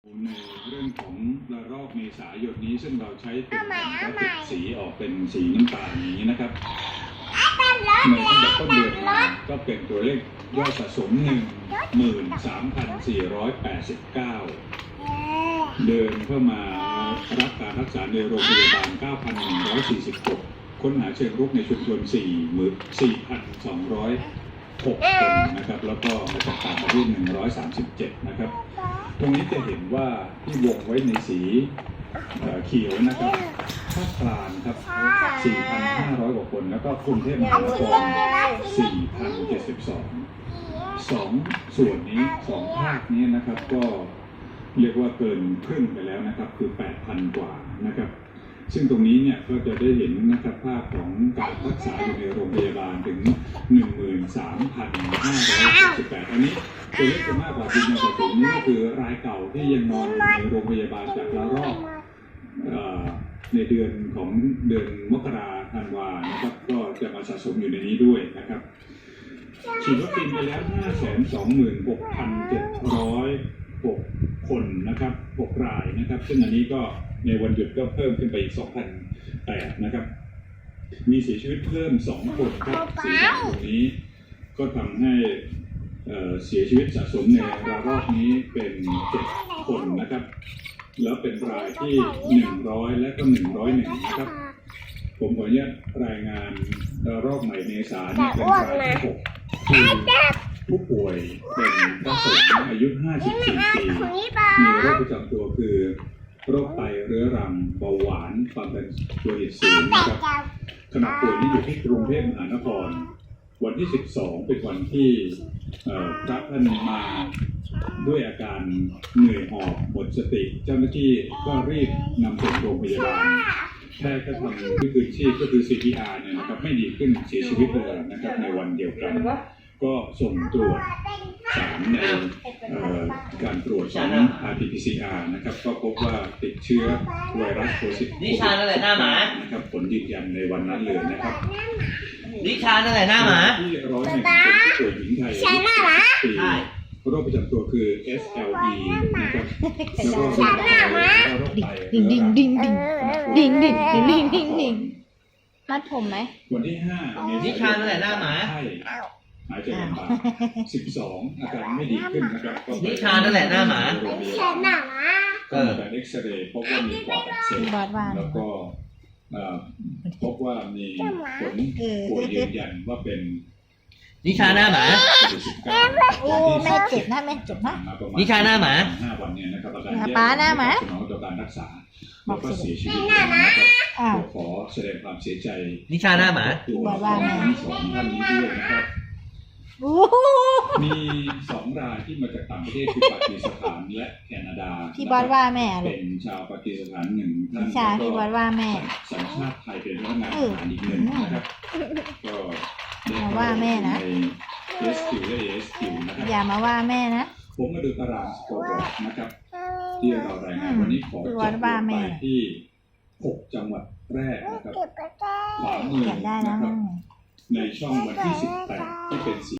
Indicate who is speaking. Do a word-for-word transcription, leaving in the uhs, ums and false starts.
Speaker 1: ในเรื่องของระลอกเมษายนนี้ซึ่งเราใช้เป็นกราฟิกสีออกเป็นสีน้ำตาลอย่างนี้นะครับในตั้งแต่ต้นเดือนมาก็เป็นตัวเลขยอดสะสม หนึ่งหมื่นสามพันสี่ร้อยแปดสิบเก้า เดินเข้ามารับการรักษาในโรงพยาบาล เก้าพันหนึ่งร้อยสี่สิบหก ค้นหาเชิงรุกในชุมชน สี่พันสองร้อยหก คนนะครับแล้วก็มาจากต่างประเทศหนึ่งร้อยสามสิบเจ็ดนะครับตรงนี้จะเห็นว่าที่วงไว้ในสีเขียวนะครับภาคกลางครับ สี่พันห้าร้อย กว่าคนแล้วก็กรุงเทพมหานคร สี่พันเจ็ดสิบสอง สองส่วนนี้สองภาคนี้นะครับก็เรียกว่าเกินครึ่งไปแล้วนะครับคือ แปดพัน กว่านะครับซึ่งตรงนี้เนี่ยก็จะได้เห็นนะครับภาพของการรักษาอยู่ในโรงพยาบาลถึง หนึ่งหมื่นสามพันห้าร้อยหกสิบแปด อันนี้ตัวเลขจะมากกว่าจริงในส่วนนี้ก็คือรายเก่าที่ยังนอนอยู่ในโรงพยาบาลจากระลอกในเดือนของเดือนมกราคมธันวานะครับก็จะมาสะสมอยู่ในนี้ด้วยนะครับฉีดวัคซีนไปแล้ว ห้าแสนสองหมื่นหกพันเจ็ดร้อยหก คนนะครับหกรายนะครับซึ่งอันนี้ก็ในวันหยุดก็เพิ่มขึ้นไปอีก สองพันแปด นะครับมีเสียชีวิตเพิ่มสองคนครับสีแดงตรงนี้ก็ทำให้เสียชีวิตสะสมในระลอกนี้เป็นเจ็ดคนนะครับแล้วเป็นรายที่หนึ่งร้อยและก็หนึ่งร้อยเอ็ดนะครับผมขออนุญาตรายงานระลอกใหม่เมษายนนี่เป็นรายที่หกคือผู้ป่วยเป็นพระสงฆ์อายุห้าสิบสี่ปีมีโรคประจำตัวคือโรคไตเรื้อรังเบาหวานความดันโลหิตสูงนะครับขณะป่วยนี้อยู่ที่กรุงเทพมหานครวันที่สิบสองเป็นวันที่พระท่านมาด้วยอาการเหนื่อยหอบหมดสติเจ้าหน้าที่ก็รีบนำส่งโรงพยาบาลแพทย์ก็ทำที่คืนชีพก็คือ ซี พี อาร์ เนี่ยนะครับไม่ดีขึ้นเสียชีวิตเลยนะครับในวันเดียวกันก็ส่งตรวจสารในการตรวจของ อาร์ ที พี ซี อาร์ นะครับก็พบว่าติดเชื้อไวรัสโควิด
Speaker 2: นิชานั่นแหละหน้าหมา
Speaker 1: นะครับผลยืนยันในวันนั้นเลยนะครับ
Speaker 2: นิชานั่นแหละหน้าหมา
Speaker 1: ที่ร้อยหนึ่งเป็นผู้ป่วยหญิงไทยอายุสิบปีโรคประจำตัวคือ เอส แอล อี นะครับแล้วก็โรคไต
Speaker 3: ดิ่งดิ่งดิ่งดิ่งดิ่งดิ่งดิ่งดิ่งดิ่งมัดผมไหม
Speaker 1: วันที่ห้า
Speaker 2: นิชานั่นแหละหน้าหมา
Speaker 1: หายใจลำบากสิบสองอาการไม่ดีขึ้นนะครับ
Speaker 2: นิชานั่นแหละหน้าหมา
Speaker 1: ก็มีการเอ็กซเรย์พบว่ามีปอดอักเสบแล้วก็พบว่ามีผลป่วยยืนยันว่าเป็น
Speaker 2: นิชาหน้าหมา
Speaker 3: โอ้แม่เจ็บนะแม่เจ็บนะ
Speaker 2: นิชาหน้าหมา
Speaker 1: ห้าวันเนี่ยนะครับอาการ
Speaker 3: แย่ป้าหน้าหมา
Speaker 1: สนองต่อการรักษาแล้วก็เสียชีวิตนะครับขอแสดงความเสียใจ
Speaker 2: นิชาหน้าหมา
Speaker 1: ตัวทั้งสองท่านนี้ด้วยนะครับมีสองรายที่มาจากต่างประเทศคือปากีสถานและแคนาดา
Speaker 3: ที่บอสว่าแม่
Speaker 1: เป็นชาวปากีสถานหนึ่งท่าน
Speaker 3: ชาที่บอสว่าแม่
Speaker 1: สัญชาติไทยเป็นพนักงานทหารอีกหนึ่งนะครับก็
Speaker 3: มาว่าแม่นะ
Speaker 1: เอ เอส คิว และ เอ เอส คิว นะครับ
Speaker 3: อย่ามาว่าแม่นะ
Speaker 1: ผมมาดูตารางสกอร์บอร์ดนะครับที่เรารายงานวันนี้ขอจบลงไปที่หกจังหวัดแรกนะครับขวามือนะครับในช่องวันที่สิบแปดที่เป็นสี